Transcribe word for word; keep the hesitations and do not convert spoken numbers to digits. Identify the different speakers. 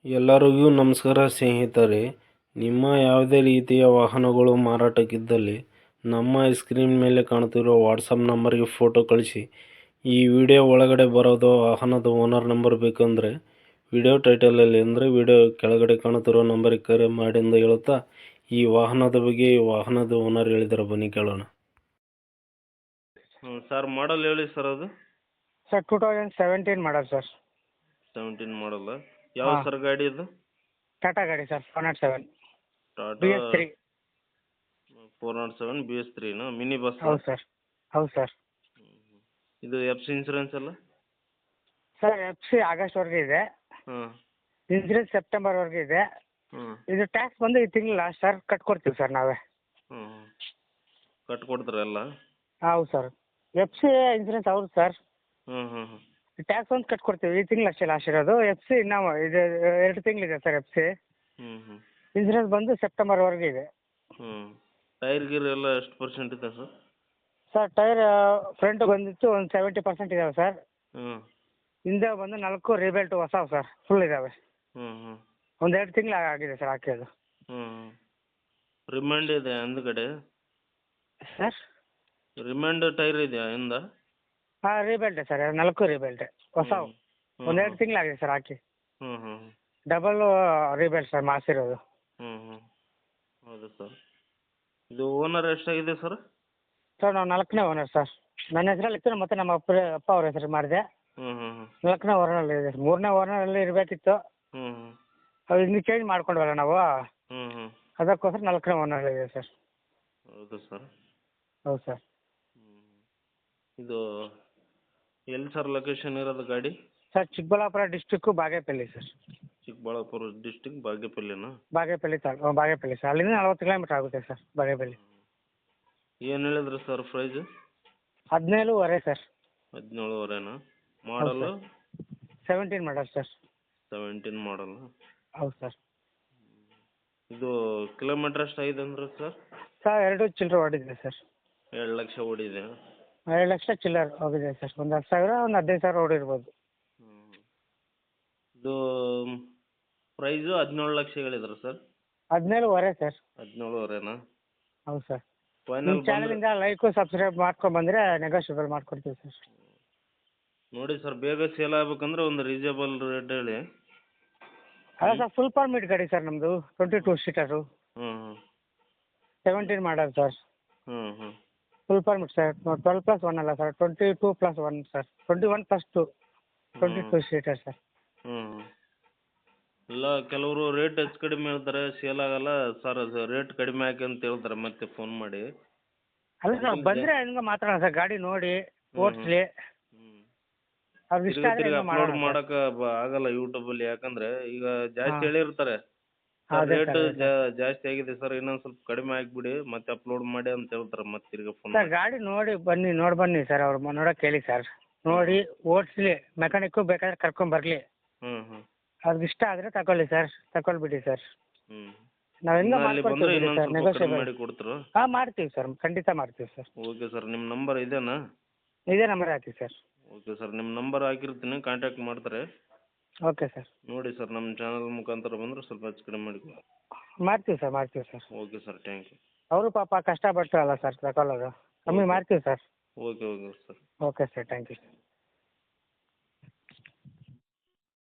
Speaker 1: ಎಲ್ಲರಿಗೂ ನಮಸ್ಕಾರ ಸ್ನೇಹಿತರೆ. ನಿಮ್ಮ ಯಾವುದೇ ರೀತಿಯ ವಾಹನಗಳು ಮಾರಾಟಕ್ಕಿದ್ದಲ್ಲಿ ನಮ್ಮ ಸ್ಕ್ರೀನ್ ಮೇಲೆ ಕಾಣುತ್ತಿರುವ ವಾಟ್ಸಪ್ ನಂಬರ್ಗೆ ಫೋಟೋ ಕಳಿಸಿ. ಈ ವಿಡಿಯೋ ಒಳಗಡೆ ಬರೋದು ವಾಹನದ ಓನರ್ ನಂಬರ್ ಬೇಕಂದರೆ ವಿಡಿಯೋ ಟೈಟಲಲ್ಲಿ ಅಂದರೆ ವಿಡಿಯೋ ಕೆಳಗಡೆ ಕಾಣುತ್ತಿರೋ ನಂಬರಿಗೆ ಕರೆ ಮಾಡಿ ಎಂದು ಹೇಳುತ್ತಾ, ಈ ವಾಹನದ ಬಗ್ಗೆ ಈ ವಾಹನದ ಓನರ್ ಹೇಳಿದ್ದಾರೆ, ಬನ್ನಿ ಕೇಳೋಣ. ಹ್ಞೂ ಸರ್, ಮಾಡಲ್ ಹೇಳಿ ಸರ್. ಅದು
Speaker 2: sir two thousand seventeen model sir.
Speaker 1: Seventeen ಮಾಡಲ್ಲ. ಯಾವ
Speaker 2: ಹಾಂ.
Speaker 1: ಸರ್ ಗಾಡಿ ಇದು?
Speaker 2: ಟಾಟಾ ಗಾಡಿ sir, four naught seven
Speaker 1: Tata
Speaker 2: B S three.
Speaker 1: Four naught seven B S ತ್ರೀನಾ? Mini bus?
Speaker 2: ಹೌದು ಸರ್, ಹೌದು ಸರ್.
Speaker 1: ಇದು ಎಫ್ ಸಿ ಇನ್ಸೂರೆನ್ಸ್ ಎಲ್ಲ?
Speaker 2: ಸರ್ ಎಫ್ ಸಿ ಆಗಸ್ಟ್ವರೆಗೆ ಇದೆ,
Speaker 1: ಹಾಂ.
Speaker 2: ಇನ್ಸೂರೆನ್ಸ್ ಸೆಪ್ಟೆಂಬರ್ವರೆಗೆ ಇದೆ.
Speaker 1: ಹ್ಞೂ
Speaker 2: ಇದು ಟ್ಯಾಕ್ಸ್ ಬಂದು ಈ ತಿಂಗಳು ಲಾಸ್ಟ್ ಸರ್, ಕಟ್ಕೊಡ್ತೀವಿ ಸರ್ ನಾವೇ.
Speaker 1: ಹ್ಞೂ ಕಟ್ಕೊಡ್ತಾರೆ ಎಲ್ಲ?
Speaker 2: ಹೌದು ಸರ್. ಎಫ್ ಸಿ ಇನ್ಸೂರೆನ್ಸ್ ಹೌದು ಸರ್.
Speaker 1: ಹ್ಞೂ ಹ್ಞೂ ಹ್ಞೂ
Speaker 2: ಟ್ಯಾಕ್ಸ್ ಒಂದು ಕಟ್ಕೊಡ್ತೀವಿ, ಈ ತಿಂಗಳು ಅಷ್ಟೇ ಲಾಸ್ಟ್ ಇರೋದು. ಎಫ್ ಸಿ ನಾವು ಇದು ಎರಡು ತಿಂಗಳಿದೆ ಸರ್ ಎಫ್ ಸಿ.
Speaker 1: ಹ್ಞೂ ಹ್ಞೂ
Speaker 2: ಇನ್ಸೂರೆನ್ಸ್ ಬಂದು ಸೆಪ್ಟೆಂಬರ್ವರೆಗೆ ಇದೆ.
Speaker 1: ಹ್ಞೂ ಟೈರ್ ಗೀರ್ ಎಲ್ಲ ಎಷ್ಟು ಪರ್ಸೆಂಟ್ ಇದೆ ಸರ್?
Speaker 2: ಸರ್ ಟೈರ್ ಫ್ರಂಟ್ ಬಂದಿತ್ತು ಒಂದು ಸೆವೆಂಟಿ ಪರ್ಸೆಂಟ್ ಇದಾವೆ ಸರ್.
Speaker 1: ಹ್ಞೂ
Speaker 2: ಹಿಂದೆ ಬಂದು ನಾಲ್ಕು ರಿಬೆಲ್ಟ್ ಹೊಸವು ಸರ್, ಫುಲ್ ಇದ್ದಾವೆ.
Speaker 1: ಹ್ಞೂ ಹ್ಞೂ
Speaker 2: ಒಂದು ಎರಡು ತಿಂಗಳು ಆಗಿದೆ ಸರ್ ಹಾಕಿದ್ದು.
Speaker 1: ಹ್ಞೂ ರಿಮೈಂಡ್ ಇದೆ ಹಿಂದ್ಗಡೆ?
Speaker 2: ಸರ್
Speaker 1: ರಿಮೈಂಡ್ ಟೈರ್ ಇದೆಯಾ ಹಿಂದ?
Speaker 2: ಹಾಂ ರಿಬೆಲ್ಟೆ ಸರ್, ನಾಲ್ಕು ರಿಬೆಲ್ಟೆ ಹೊಸವು.
Speaker 1: ಹ್ಞೂ
Speaker 2: ಒಂದು ಎರಡು ತಿಂಗಳಾಗಿದೆ ಸರ್ ಹಾಕಿ.
Speaker 1: ಹ್ಞೂ ಹ್ಞೂ
Speaker 2: ಡಬಲ್ ರಿಬೆಲ್ಟ್ ಸರ್ ಮಾಡಿಸಿರೋದು.
Speaker 1: ಹ್ಞೂ ಹ್ಞೂ ಹೌದು ಸರ್. ಇದು ಓನರ್ ಎಷ್ಟಾಗಿದೆ ಸರ್?
Speaker 2: ಸರ್ ನಾವು ನಾಲ್ಕನೇ ಓನರ್ ಸರ್. ನನ್ನ ಹೆಸರಲ್ಲಿ ಇತ್ತು, ಮತ್ತು ನಮ್ಮ ಅಪ್ಪ ಅಪ್ಪ ಅವ್ರ ಹೆಸರು ಮಾಡಿದೆ.
Speaker 1: ಹ್ಞೂ ಹ್ಞೂ ಹ್ಞೂ
Speaker 2: ನಾಲ್ಕನೇ ಓನರಲ್ಲಿ ಇದೆ. ಮೂರನೇ ಓನರಲ್ಲಿ ಇರಬೇಕಿತ್ತು,
Speaker 1: ಹ್ಞೂ ಹ್ಞೂ
Speaker 2: ಅದು ಇನ್ನು ಚೇಂಜ್ ಮಾಡ್ಕೊಂಡ್ವಲ್ಲ ನಾವು,
Speaker 1: ಹ್ಞೂ ಹ್ಞೂ
Speaker 2: ಅದಕ್ಕೋಸ್ಕರ ನಾಲ್ಕನೇ ಓನರ್ ಇದೆ ಸರ್.
Speaker 1: ಹೌದು ಸರ್.
Speaker 2: ಹೌದು ಸರ್.
Speaker 1: ಇದು ಎಲ್ಲಿ ಸರ್ ಲೊಕೇಶನ್ ಇರೋದು ಗಾಡಿ?
Speaker 2: Sir Chikkaballapura district Bagepalli sir.
Speaker 1: Chikkaballapura district ಬಾಗೇಪಲ್ಲಿನಾ?
Speaker 2: ಬಾಗೇಪಲ್ಲಿ ತಾಲೂ ಬಾಗೇಪಲ್ಲಿ ಸರ್. ಅಲ್ಲಿಂದ ನಲ್ವತ್ತು ಕಿಲೋಮೀಟ್ರ್ ಆಗುತ್ತೆ ಸರ್ ಬಾಗೇಪಲ್ಲಿ.
Speaker 1: ಏನು ಹೇಳಿದ್ರಿ ಸರ್ ಪ್ರೈಸ್?
Speaker 2: ಹದಿನೇಳುವರೆ ಸರ್.
Speaker 1: ಹದಿನೇಳುವರೆನಾ? ಮಾಡಲು?
Speaker 2: Seventeen model sir.
Speaker 1: Seventeen model?
Speaker 2: ಹೌದು ಸರ್.
Speaker 1: ಇದು ಕಿಲೋಮೀಟ್ರ್ ಎಷ್ಟು ಆಗಿದೆ ಅಂದ್ರೆ ಸರ್?
Speaker 2: ಸರ್ ಎರಡು ಚಿಲ್ಲರೆ ಹೊಡಿದೆ ಸರ್.
Speaker 1: ಎರಡು ಲಕ್ಷ ಓಡಿದೆ?
Speaker 2: ಎರಡು ಲಕ್ಷ ಚಿಲ್ಲರ್ ಹೋಗಿದೆ ಸರ್. ಒಂದು ಹತ್ತು ಸಾವಿರ ಒಂದು ಹದಿನೈದು ಸಾವಿರ ಓಡಿರ್ಬೋದು.
Speaker 1: ಹ್ಞೂ ಇದು ಪ್ರೈಸು ಹದಿನೇಳು ಲಕ್ಷ ಹೇಳಿದ್ರು ಸರ್?
Speaker 2: ಹದಿನೇಳುವರೆ ಸರ್.
Speaker 1: ಹದಿನೇಳುವರೆನಾ?
Speaker 2: ಹೌದು ಸರ್.
Speaker 1: ಫೈನಲ್
Speaker 2: ನಿಮ್ಮ ಚಾನಲಿಂದ ಲೈಕು ಸಬ್ಸ್ಕ್ರೈಬ್ ಮಾಡ್ಕೊಂಡು ಬಂದರೆ ನೆಗೋಷಿಯಬಲ್ ಮಾಡ್ಕೊಡ್ತೀವಿ ಸರ್.
Speaker 1: ನೋಡಿ ಸರ್, ಬೇಗ ಸೇಲ್ ಆಗ್ಬೇಕಂದ್ರೆ ಒಂದು ರೀಸನೇಬಲ್ ರೇಟ್ ಹೇಳಿ.
Speaker 2: ಅಲ್ಲ ಸರ್, ಫುಲ್ ಪರ್ಮಿಟ್ ಗಾಡಿ ಸರ್ ನಮ್ಮದು, ಟ್ವೆಂಟಿ ಟೂ ಸೀಟರು,
Speaker 1: ಹ್ಞೂ ಹ್ಞೂ
Speaker 2: ಸೆವೆಂಟೀನ್ ಮಾಡಲ್ ಸರ್.
Speaker 1: ಹ್ಞೂ ಹ್ಞೂ
Speaker 2: full permit sir. Twelve plus one ಅಲ್ಲ sir, twenty two plus one sir. Twenty one plus two twenty two seater sir.
Speaker 1: ಹ್ಞೂ ಇಲ್ಲ, ಕೆಲವರು ರೇಟ್ ಹೆಚ್ಚು ಕಡಿಮೆ ಹೇಳ್ತಾರೆ, ಸೇಲ್ ಆಗಲ್ಲ ಸರ್. ಅದು ರೇಟ್ ಕಡಿಮೆ ಹಾಕಿ ಅಂತ ಹೇಳ್ತಾರೆ ಮತ್ತೆ ಫೋನ್ ಮಾಡಿ.
Speaker 2: ಅಲ್ಲ ಸರ್, ಬಂದರೆ ಹಂಗೆ ಮಾತಾಡೋಣ ಸರ್, ಗಾಡಿ ನೋಡಿ ಓಡಿಸ್ಲಿ, ಅವ್ರಿಗೆ ಇಷ್ಟ ಆದರೆ
Speaker 1: ತಿರ್ಗಿ
Speaker 2: ಹಂಗೆ
Speaker 1: ಅಪ್ಲೋಡ್
Speaker 2: ಮಾಡೋಣ ಸರ್.
Speaker 1: ಮಾಡೋಕೆ ಆಗಲ್ಲ ಯೂಟ್ಯೂಬಲ್ಲಿ, ಯಾಕಂದ್ರೆ ಈಗ ಜಾಸ್ತಿ
Speaker 2: ಹಾಂ.
Speaker 1: ಹೇಳಿರ್ತಾರೆ
Speaker 2: ಅದೇ
Speaker 1: ರೇಟ್
Speaker 2: ಸರ್, ಅದೇ ಸರ್.
Speaker 1: ಜಾಸ್ತಿ ಆಗಿದೆ ಸರ್, ಇನ್ನೊಂದು ಸ್ವಲ್ಪ ಕಡಿಮೆ ಹಾಕ್ಬಿಡಿ ಮತ್ತೆ ಅಪ್ಲೋಡ್ ಮಾಡಿ ಅಂತ ಹೇಳ್ತಾರೆ ಮತ್ತೆ ತಿರ್ಗಿ ಫೋನ್
Speaker 2: ಸರ್
Speaker 1: ಮಾಡಿ.
Speaker 2: ಗಾಡಿ ನೋಡಿ ಬನ್ನಿ, ನೋಡಿ ಬನ್ನಿ ಸರ್, ಅವ್ರು ನೋಡೋಕೆ ಹೇಳಿ ಸರ್. ನೋಡಿ ಓಡಿಸ್ಲಿ, ಮೆಕ್ಯಾನಿಕ್ಕು ಬೇಕಾದ್ರೆ ಕರ್ಕೊಂಬರಲಿ.
Speaker 1: ಹ್ಞೂ ಹ್ಞೂ
Speaker 2: ಅವ್ರಿಗೆ ಇಷ್ಟ ಆದರೆ ತಗೊಳ್ಳಿ ಸರ್, ತಗೊಳ್ಬಿಡಿ ಸರ್.
Speaker 1: ಹ್ಞೂ
Speaker 2: ನಾವು ಹೆಂಗೆ
Speaker 1: ಅಲ್ಲಿ ಬಂದರೆ
Speaker 2: ಮಾಡ್ಕೊಡ್ತೀವಿ
Speaker 1: ಇನ್ನೊಂದು
Speaker 2: ಸರ್,
Speaker 1: ಸ್ವಲ್ಪ ಕಡಿಮೆ
Speaker 2: ನೆಗೋಷಿಯಬಲ್.
Speaker 1: ಮಾಡಿ ಕೊಡ್ತೀರಾ?
Speaker 2: ಹಾಂ ಮಾಡ್ತೀವಿ ಸರ್, ಖಂಡಿತ ಮಾಡ್ತೀವಿ ಸರ್.
Speaker 1: ಓಕೆ ಸರ್, ನಿಮ್ಮ ನಂಬರ್ ಇದೇನಾ?
Speaker 2: ಇದೇ ನಂಬರ್ ಹಾಕಿ ಸರ್.
Speaker 1: ಓಕೆ ಸರ್, ನಿಮ್ಮ ನಂಬರ್ ಹಾಕಿರ್ತೀನಿ, ಕಾಂಟ್ಯಾಕ್ಟ್ ಮಾಡ್ತಾರೆ.
Speaker 2: Okay sir.
Speaker 1: ನೋಡಿ ಸರ್, ನಮ್ಮ ಚಾನಲ್ ಮುಖಾಂತರ ಬಂದರೆ ಸ್ವಲ್ಪ ಹೆಚ್ಚು ಕಡಿಮೆ ಮಾಡಿ.
Speaker 2: ಮಾಡ್ತೀವಿ ಸರ್, ಮಾಡ್ತೀವಿ sir.
Speaker 1: Okay sir, thank you.
Speaker 2: ಅವರು ಪಾಪ ಕಷ್ಟಪಟ್ಟು ಅಲ್ಲ ಸರ್ ತಗೊಳ್ಳೋದು, ಕಮ್ಮಿ ಮಾಡ್ತೀವಿ sir.
Speaker 1: Okay okay sir.
Speaker 2: Okay sir, thank you sir.